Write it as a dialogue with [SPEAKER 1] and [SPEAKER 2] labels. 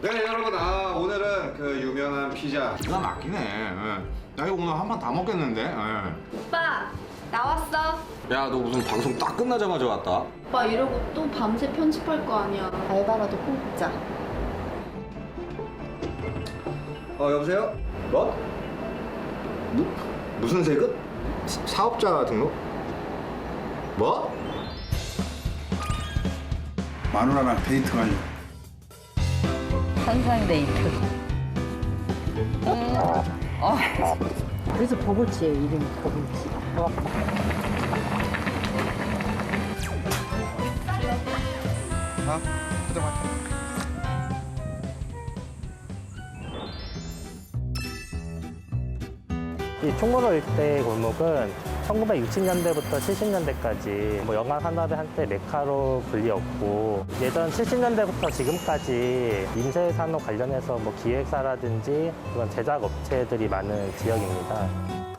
[SPEAKER 1] 네 여러분, 오늘은 그 유명한 피자
[SPEAKER 2] 기가 막히네. 나 이거 오늘 한 판 다 먹겠는데.
[SPEAKER 3] 오빠 나왔어.
[SPEAKER 2] 야, 너 무슨 방송 딱 끝나자마자 왔다?
[SPEAKER 3] 오빠 이러고 또 밤새 편집할 거 아니야. 알바라도 뽑자.
[SPEAKER 1] 여보세요? 뭐? 무슨 세금? 사업자 등록? 뭐?
[SPEAKER 4] 마누라랑 데이트 가려고.
[SPEAKER 5] 환상 데이트. 그래서 버블치예요, 이름이 버블치.
[SPEAKER 6] 이 총무로 일대 골목은 1960년대부터 70년대까지 영화 산업의 한때 메카로 불리었고, 예전 70년대부터 지금까지 인쇄 산업 관련해서 기획사라든지 그런 제작 업체들이 많은 지역입니다.